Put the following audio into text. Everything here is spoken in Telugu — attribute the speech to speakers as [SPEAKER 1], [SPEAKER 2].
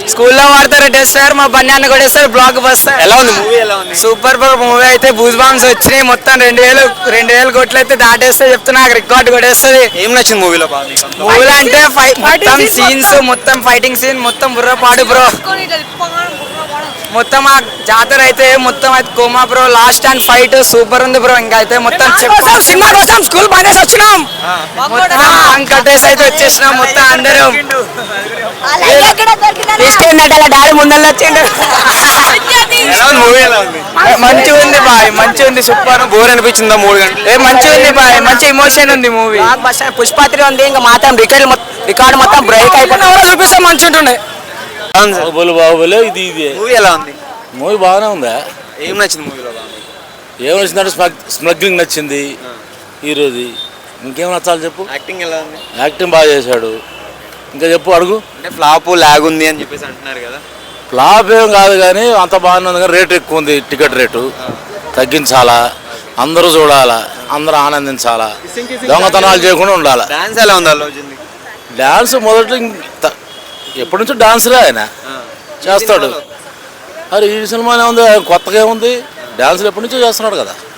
[SPEAKER 1] స్కూల్లో వాడతారు డ్రెస్ సార్, మా బన్యాన్ని కూడా వేస్తారు, బ్లాక్ బస్టర్.
[SPEAKER 2] ఎలా ఉంది మూవీ? ఎలా ఉంది?
[SPEAKER 1] సూపర్ మూవీ అయితే బూజ్ బాంబ్స్ వచ్చినాయి మొత్తం 2000 కోట్లు అయితే దాటేస్తే చెప్తున్నా, రికార్డ్ కొట్టేస్తుంది.
[SPEAKER 2] ఏం నచ్చింది మూవీలో బాగా మీకు?
[SPEAKER 1] మూవీలో అంటే మొత్తం సీన్స్, మొత్తం ఫైటింగ్ సీన్, మొత్తం బుర్ర పాడు బ్రో. మొత్తం ఆ జాతర అయితే మొత్తం అయితే కోమా bro, last and fight super ఉంది బ్రో. ఇంకా అయితే మొత్తం సినిమా కోసం స్కూల్ పనేసి వచ్చినాం, మొత్తం కట్టేసి అయితే వచ్చేసినాం మొత్తం అందరం. తీసుకెళ్ళినట్టు అలా డాడీ ముందర వచ్చిండు.
[SPEAKER 2] మూవీ ఎలా ఉంది?
[SPEAKER 1] మంచిగా ఉంది బాయ్, మంచిగా ఉంది, సూపర్.
[SPEAKER 2] బోర్ అనిపించిందా 3 గంటలు?
[SPEAKER 1] మంచిగా ఉంది బాయ్, మంచి ఎమోషన్ ఉంది మూవీ. పుష్పాత్రి ఉంది, ఇంకా మాత్రం రికార్డ్ మొత్తం బ్రేక్ అయిపోయినా చూపిస్తే మంచి ఉంటుండే.
[SPEAKER 3] బాహుబలి ఇది
[SPEAKER 2] మూవీ ఎలా ఉంది?
[SPEAKER 3] మూవీ బాగానే ఉందా?
[SPEAKER 2] ఏం నచ్చింది మూవీలో బాగా?
[SPEAKER 3] ఏం నచ్చిందంటే స్మగ్లింగ్ నచ్చింది ఈరోజు. ఇంకేం నచ్చాలి చెప్పు?
[SPEAKER 2] యాక్టింగ్ ఎలా ఉంది?
[SPEAKER 3] యాక్టింగ్ బాగా చేశాడు. ఇంకా చెప్పు, అడుగు.
[SPEAKER 2] అంటే ఫ్లాప్ లాగ్ ఉంది అని చెప్పేసి అంటున్నారు కదా.
[SPEAKER 3] ఫ్లాప్ ఏం కాదు కానీ అంత బాగానే ఉంది, కానీ రేటు ఎక్కువ ఉంది. టికెట్ రేటు తగ్గించాలా, అందరూ చూడాలా, అందరూ ఆనందించాలా, దొంగతనాలు చేయకుండా ఉండాలా.
[SPEAKER 2] డాన్స్ ఎలా ఉంది అల్లు అర్జున్ది?
[SPEAKER 3] డాన్స్ మొదట్లో ఎప్పటి నుంచో డాన్స్లే ఆయన చేస్తాడు. అరే ఈ సినిమానే ఉంది, కొత్తగా ఏముంది? డాన్సులు ఎప్పటి నుంచో చేస్తున్నాడు కదా.